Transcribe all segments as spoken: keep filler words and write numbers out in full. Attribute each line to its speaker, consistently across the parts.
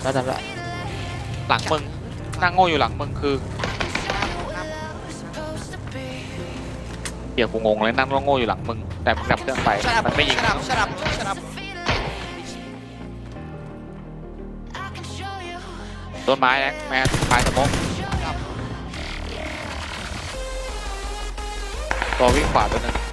Speaker 1: แล้วแล้ว
Speaker 2: หลังมึงนั่งโง่อยู่หลังมึงคือเดี๋ยวกูงงเลยนั่งโง่อยู่หลังมึงแต่มึงดับเครื่องไปมันไม่ยิง
Speaker 1: ฉลับฉลับฉลับ
Speaker 2: ต้นไม้นะแมนปลายสมองตัววิ่งขวาตัวนึง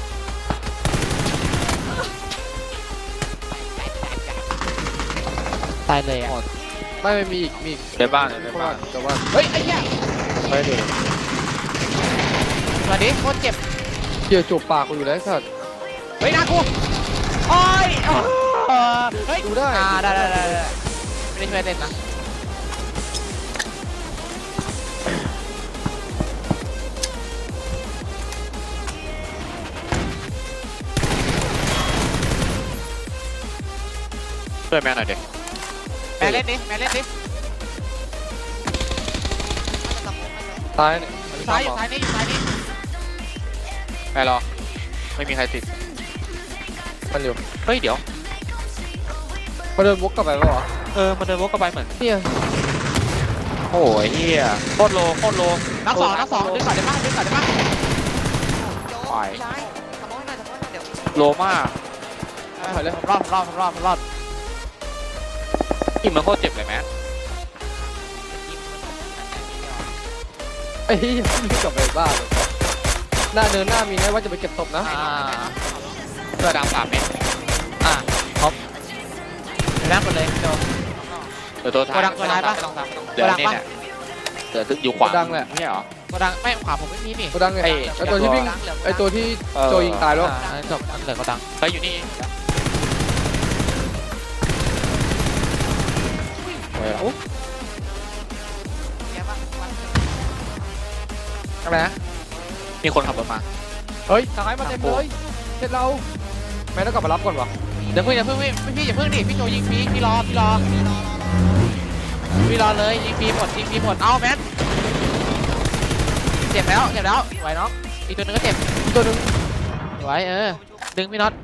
Speaker 1: ตายเลยอ่ะ
Speaker 3: ไม่ไม่มีอีกมีอีก
Speaker 2: ในบ้านใน
Speaker 3: เพราะ
Speaker 2: บ้า
Speaker 3: ว่าน แต่ว่า
Speaker 1: เฮ้ยไอ้เหี้ย
Speaker 3: ไม่ดู
Speaker 1: มาดิโคตรเจ็บ
Speaker 3: เกี่ยวจูบปากกูอยู่แล้วสัตว์
Speaker 1: เฮ้ยนากูโอ้ยเออเฮ้ย
Speaker 3: ดูได้
Speaker 1: อ่าได้ได้ได้ไม่ได้ช่วยเล่นนะ
Speaker 2: ช่วยแมนหน่อยเด็ก
Speaker 1: แม่เล่นดิแม่เล่นดิ
Speaker 3: ตายเนี่ย
Speaker 1: อยู่ซ้ายอยู่ซ้ายนี่อยู่ซ้ายนี่
Speaker 2: แมนรอไม่มีใครติด
Speaker 3: มันอยู่
Speaker 2: เฮ้ยเดี๋ยว
Speaker 3: มาเดินวกกลับไปป่ะวะ
Speaker 2: เออมันเดินวกกลับไปเหมือน
Speaker 3: เนี่ย
Speaker 2: โอ้ยเฮียโคตรโลโคตรโล
Speaker 1: นักสองนักสองดึงก่อนได้ปะดึงก่อนได้ปะ
Speaker 2: ไปโลมาก
Speaker 3: ถอยเลย
Speaker 1: ผมรอดผมรอดผมรอดผมรอด
Speaker 2: ยิงมันโคตรเจ็บเลยแมน
Speaker 3: ไอ้เหี้ยรีบกลับไปบ้านเลยหน้าเนินหน้ามีนะว่าจะไปเก็บศพนะ
Speaker 1: อ่า
Speaker 2: เสื้อดำสามเมตร
Speaker 1: อ่าครบเดี๋ยวนั่งกันเลยโจ
Speaker 2: เดี๋ยวตัวท้าย
Speaker 1: โกดังตัวท้ายปะ
Speaker 2: เดี๋ยวนี่เนี่ยเดี๋ยวอยู่ขวา
Speaker 3: ดังแหละ
Speaker 2: ไม่ใช่เหรอ
Speaker 1: โกดังไม่ขวาผมไม่มีนี่
Speaker 3: กูดังไง
Speaker 2: ไอ้
Speaker 3: ไอ้ตัวที่วิ่งไอ้ตัวที่โจยิงตายแล้ว
Speaker 1: อ่าจบเหลือโกดัง
Speaker 2: ไปอยู่นี่เฮ้ย
Speaker 1: อะไรนะ
Speaker 2: มีคนขับรถมา
Speaker 3: เฮ้ยซ้ายมาเต็มเลยเสร็จเราแม่ต้องกลับมารับก่อนวะ
Speaker 1: เดี๋ยวเพิ่งอย่าเพิ่งพี่พี่อย่าเพิ่งดิพี่โจยิงฟรีพี่รอพี่รอพี่รอเลยยิงฟรีหมดยิงฟรีหมดเอาแมนเจ็บแล้วเจ็บแล้วไหวน้องอีกตัวนึงก็เจ็บ
Speaker 3: อีกตัวหนึง
Speaker 1: ไหวเออดึงพี่น็อต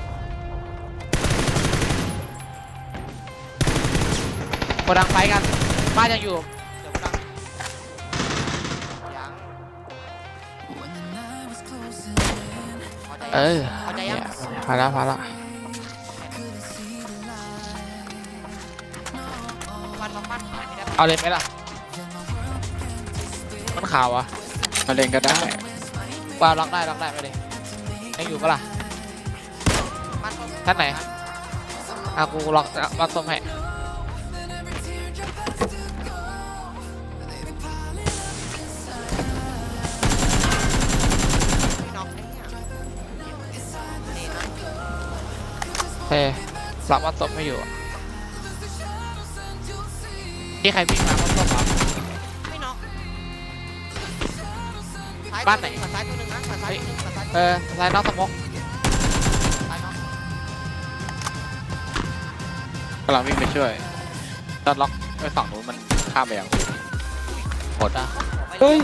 Speaker 1: โกดังไฟกันบ้านยังอยู่เดี๋ยวโกดังยัง
Speaker 3: เออ
Speaker 1: พอใจยัง
Speaker 3: พาละพาละ
Speaker 1: มันมันมันเอาเลยไหมล่ะมันขาวอ่ะ
Speaker 2: มาเล่นก็ได้
Speaker 1: ว่าล็อกได้ล็อกได้ไปเลยยังอยู่ปะล่ะท่านไหนอ่ะกูล็อกล็อกส้มให้เฮ้ยล็อกมัดส้มไม่อยู่นี่ใครวิ่งมามัดส้มเหรอบ้านไหนซ้ายตัวหนึ่งนะซ้ายเออซ้ายนอกสมอง
Speaker 2: กำลังวิ่งไปช่วยตอนล็อกไปฝั่งนู้นมันข้ามไปยังหมดอ่ะ
Speaker 3: เฮ้ย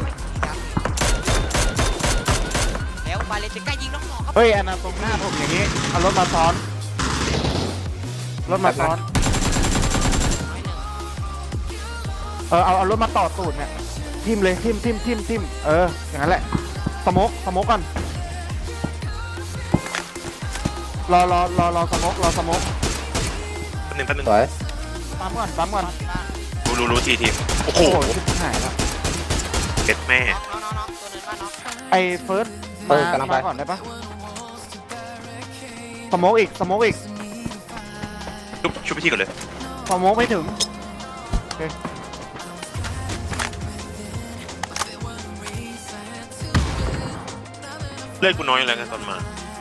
Speaker 1: แล้วบาเลติก้ายิงน้องหมอครับ
Speaker 4: เฮ้ยอันนั้นตรงหน้าผมอย่างนี้เอารถมาซ้อนรถมาซ้อนเออเอาเอารถมาต่อตูดเนี่ยทิมเลยทิมทิมทิมทิมเอออย่างนั้นแหละสโมกสโมกก่อนรอรอรอรอสโมกรอสโมก
Speaker 5: แป๊บนึงแป๊บนึง
Speaker 3: สวย
Speaker 4: ปั๊มก่อนปั๊มก่อน
Speaker 5: รู้รู้รู้ทีทีมโอ้โห
Speaker 4: โอ้โหชิบหายแล้ว
Speaker 5: เจ็ดแม่
Speaker 1: น้องน้องตัวนึงบ้านน้อง
Speaker 4: ไอ้เฟิร์สมามาก่อนได้ปะสโมกอีกสโมกอีก
Speaker 5: ชุบชุบไปที่ก่อนเลย
Speaker 4: สโมกไม่ถึง
Speaker 5: เลือดกูน้อยอยู่แล้วกันตอนมา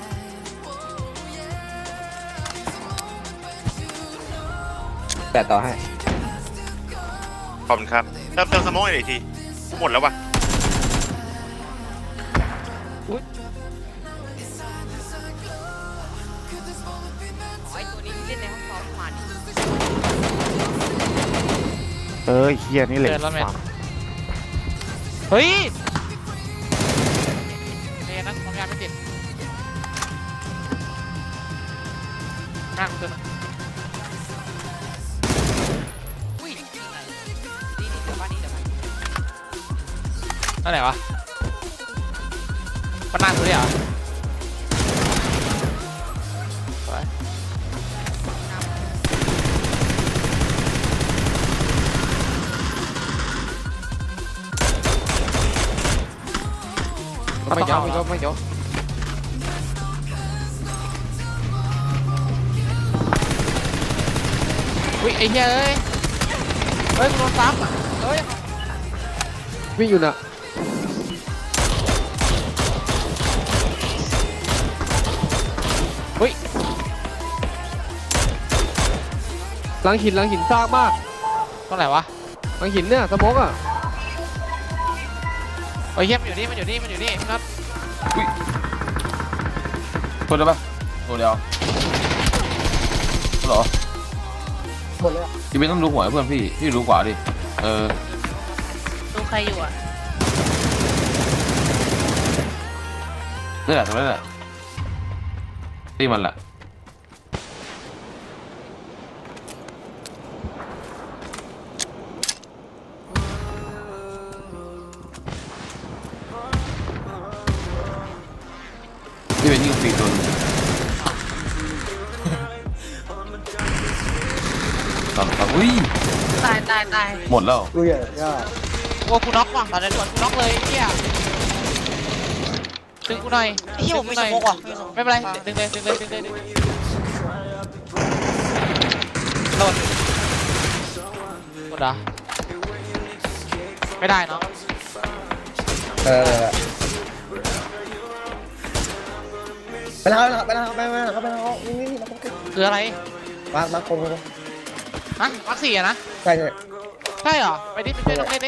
Speaker 3: แปดต่อให้
Speaker 5: ขอบคุณครับเติมเติมสโมองหน่อยทีกูหมดแล้ววะ
Speaker 1: ไอ้ตัวนี้เล่นในห้องซ้อมมัน
Speaker 4: เออเฮียนี่เลย
Speaker 1: เดินแล้วแมนเฮ้ยเนี่ยนะความยาวไม่ติดนั่งตัวนึงนั่นไหนวะมันนั่งตัวนี้เหรอไป
Speaker 3: ไม่ยอมไม่ยอมไม่ยอม
Speaker 1: อุ้ยไอ้เหี้ยเอ้ยเฮ้ยกูโดนซ้ำอ่ะเฮ้ย
Speaker 3: วิ่งอยู่น่ะ
Speaker 1: อุ้ย
Speaker 3: หลังหินหลังหินซากมาก
Speaker 1: ตรงไหนวะ
Speaker 3: หลังหินเนี่ยสโมกอ่ะ
Speaker 1: โอ้ยเหี้ยมันอยู่นี่มันอยู่นี่มันอยู่นี่พี่น็อต
Speaker 6: คนได้ปะตัวเดียวเหรอ
Speaker 3: หมดเลยอ่ะ
Speaker 6: พี่ไม่ต้องดูหัวให้เพื่อนพี่พี่รู้กว่าดิเออ
Speaker 7: ดูใครอยู่อ่ะ
Speaker 6: นี่แหละตรงนี้แหละตีมันแหละพี่เป็นยิงฟรีตัวนึงตอนตอนอุ้ย
Speaker 7: ตายตายตาย
Speaker 6: หมดแล้ว
Speaker 3: อุ้ยอ่ะ
Speaker 1: โอ้กูน็อกว่ะตอนนี้ด่วนกูน็อกเลยไอ้เหี้ยดึงกูหน่อย
Speaker 7: ไอ้เหี้ยผมไม่สมกว่ะ
Speaker 1: ไม่เป็นไรดึงเลยดึงเลยดึงเลยดึงเลยโดนกดอ่ะไม่ได้เนาะ
Speaker 3: เออไปแล้วไปแล้วไปแล้วไปแล้วไปแล้วนี่นี่มา
Speaker 1: คืออะไร
Speaker 3: มามาคง
Speaker 1: ฮะวัคซีนอะนะ
Speaker 3: ใช่ใช่
Speaker 1: ใช่เหรอไปดิไปช่วยน้องเล่นดิ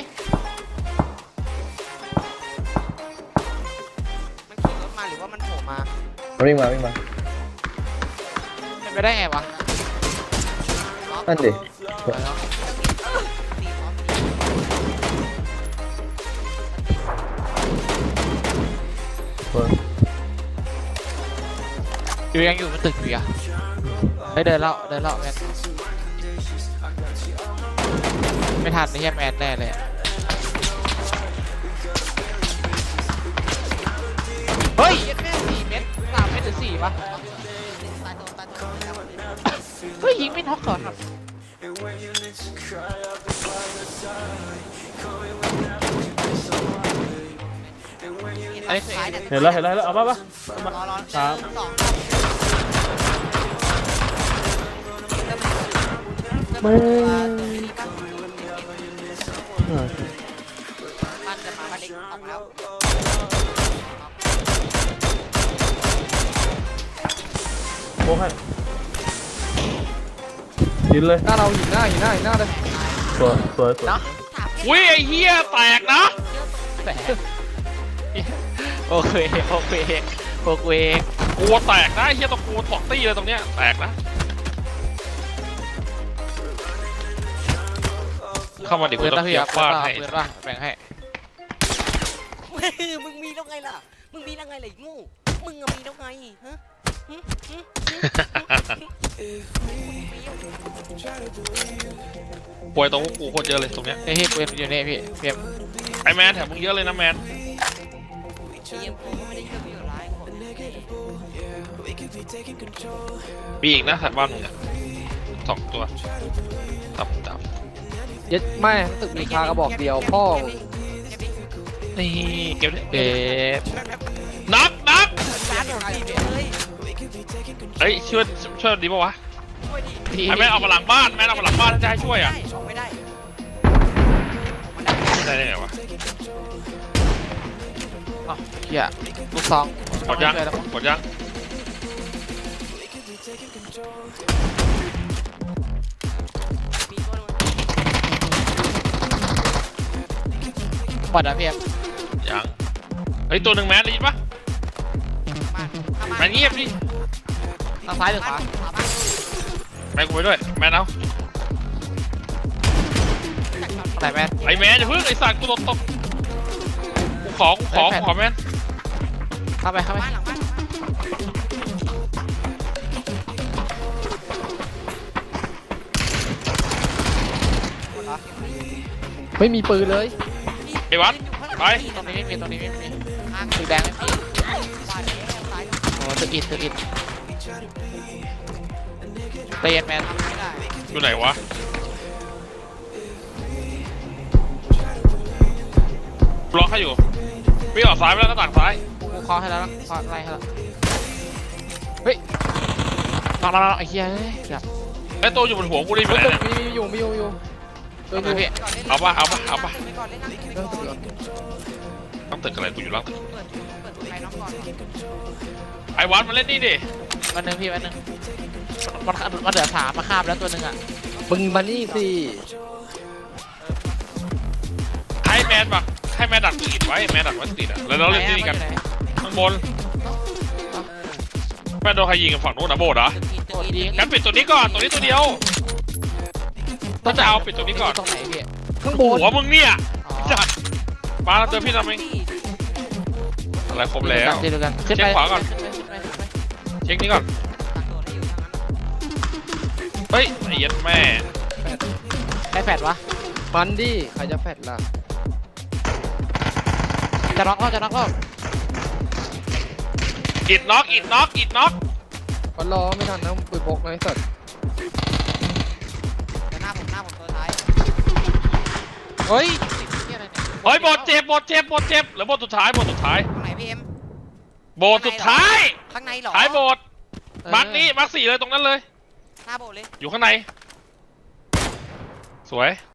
Speaker 7: มันขี่รถมาหรือว่ามันโผล่มา
Speaker 3: วิ่งมาวิ่งมา
Speaker 1: เป็นไปได้ไงวะ
Speaker 3: นั่นดิ
Speaker 1: อยู่ยังอยู่มันตึกอยู่อ่ะไปเดินแล้วเดินแล้วแมนไม่ทันไอ้เหี้ยแมนแน่เลยอะเฮ้ยแม่สี่เมตรสามเมตรหรือสี่วะเฮ้ยยิงไม่น็อกก่อนครับอันนี้คือ
Speaker 7: เห็นแล้วเห็นแล้ว
Speaker 4: เอาป่ะป่ะ
Speaker 7: รอรอ
Speaker 4: ครับ
Speaker 7: สอง
Speaker 3: ไม่
Speaker 7: มันจะมาบ้านเล็กออกแล้ว
Speaker 4: โอ้ให้ยินเลย
Speaker 3: หน้าเราหินหน้าหินหน้าหินหน้าเลย
Speaker 4: สวยสวยสวย
Speaker 2: อุ้ยไอ้เหี้ยแตกนะ
Speaker 1: แตกโอเคโอเคโอเค
Speaker 2: กลัวแตกนะไอ้เหี้ยตะกูสองตี้เลยตรงเนี้ยแตกนะเข้ามาดิ
Speaker 1: เพื่
Speaker 2: กู
Speaker 1: อน
Speaker 2: ต้
Speaker 1: ป่ะ
Speaker 2: อง
Speaker 1: พี่
Speaker 2: เกีย
Speaker 1: ครับ
Speaker 2: ร์ฟาดให้
Speaker 1: เพื่อนป่ะแบ่งให้
Speaker 7: มึงมีแล้วไงล่ะ มึงมีแล้วไงล่ะไอ้งูมึงอะมีแล้วไงฮะหึหึหึ
Speaker 2: ป่วยตรงพวกกูโคตรเยอะเลยตรงเนี้ย
Speaker 1: นี่พี่เพื่อนอยู่นี่พี่เพียม
Speaker 2: ไอแมนแถมมึงเยอะเลยนะแมน
Speaker 7: ไอ้เหี้ยกูไม่ได้เชื่อประโยชน์ร้ายของ
Speaker 2: มีอีกนะถัดบ้านมึงอะสองตัวตับตับ
Speaker 3: ยัดไม่ตึกมีคากระบอกเดียวพ่อ
Speaker 2: นี่เก็บดิ
Speaker 1: เด็ด
Speaker 2: นับนับ
Speaker 7: ร้านของพี่เลย
Speaker 2: เฮ้ยช่วยช่วยดีป่าวะ
Speaker 1: พี่
Speaker 2: ไอแมนเอามาหลังบ้านแมนเอามาหลังบ้านจะให้ช่วยอ่ะ
Speaker 7: ออกไม่ได้
Speaker 2: ได้ได้ไงวะ
Speaker 1: อ๋อเหี้ยลูกซอง
Speaker 2: กดยัง
Speaker 1: ช่วยแล้วมั้ง
Speaker 2: กดยัง
Speaker 7: มีตัวนึง
Speaker 1: หมดแล้วเพียม
Speaker 2: ยังเฮ้ยตัวหนึ่งแมนได้ยินปะ
Speaker 7: บ้านข้าง
Speaker 2: แมนเงียบดิ
Speaker 1: ทางซ้ายหรือขวา
Speaker 7: ขวาบ้าน
Speaker 2: แมนกูไปด้วยแมนเอา
Speaker 1: ไหนแมน
Speaker 2: ไอแมนอย่าเพิ่งไอสัตว์กูโดนตบกูขอกูขอกูขอแมน
Speaker 1: เข้าไปเข้าไป
Speaker 7: บ้านหลังบ้าน
Speaker 3: ไม่มีปืนเลย
Speaker 2: ไอวัด
Speaker 7: อยู่ข้าง
Speaker 6: ไป
Speaker 1: ตรงนี้ไม่มีตรงนี้ไม่มีตึกแดงไม่มีโอ้ตึกอิดตึกอิดเตียนแมน
Speaker 6: อยู่ไหนวะล็อกให้อยู่พี่ออกซ้ายไปแล้วหน้าต่างซ้าย
Speaker 1: กูเคาะให้แล้วนะเคาะอะไรให้แล้วเฮ้ยนอนนอนไอ้เหี้ยเฮ้ยแบบ
Speaker 6: ไอ้ตัวอยู่บนหัวกูได้ไหม
Speaker 3: ตึก
Speaker 6: เนี่ย
Speaker 3: มีมีอยู่มีอยู่มีอยู่ตัว
Speaker 1: เฮ้
Speaker 3: นี้
Speaker 1: ยพี่
Speaker 6: เอาปะเอาปะเอาปะ
Speaker 3: เรื่องตึกก่อน
Speaker 6: ต้องตึกอะไรกูอยู่ล่างตึกไอ้วัดมาเล่นนี่ดิ
Speaker 1: วันหนึ่งพี่วันหนึ่งมันมันเหลือสามมาคาบแล้วตัวหนึ่งอ่ะ
Speaker 3: มึงมานี่สิ
Speaker 6: ให้แมนปะให้แมนดักติดไว้แมนดักไว้ติดอะแล้วเราเล่นที่นี่กันข้างบนแมนโดนใครยิงกันฝั่งนู้นนะโบดเหรอ
Speaker 1: โคตรดี
Speaker 6: งั้นปิดตัวนี้ก่อนตัวนี้ตัวเดียวต้องจะเอาปิดตัวนี้ก่อน
Speaker 1: ตรงไหนพี่
Speaker 3: ข้างบน
Speaker 6: หัวมึงเนี่ย
Speaker 1: อ๋อ
Speaker 6: จัดมาแล้วเจอพี่ทำไมอะไรครบแล้ว
Speaker 1: เจอกันขึ้นไป
Speaker 6: เช็คขวาก่อน
Speaker 1: ขึ้นไปขึ้นไปขึ้นไป
Speaker 6: เช็คนี้ก่อนเฮ้ยไอ้เหี้ยัดแม่
Speaker 1: ใครแฟดวะ
Speaker 3: มันดิใครจะแฟดล่ะ
Speaker 1: จะน็อกแล้วจะน็อกแล้ว
Speaker 6: อิดน็อกอิดน็อกอิดน็อก
Speaker 3: ก็รอไม่ทันนะปืนพกนะไอ้สัตว์
Speaker 7: หน้าผมหน้าผมตัวท้าย
Speaker 1: เฮ้ย
Speaker 6: เฮ้ยบทเจ็บบทเจ็บบทเจ็บเหรือบทสุดท้ายบทสุดท้าย
Speaker 7: ตรงไหนพี่เอ็ม
Speaker 6: บทสุดท้าย
Speaker 7: ข้างในเหรอ
Speaker 6: ท้ายบทมาร์กนี้มาร์กสี่เลยตรงนั้นเลย
Speaker 7: หน้าโบเลย
Speaker 6: อยู่ข้างใน สวย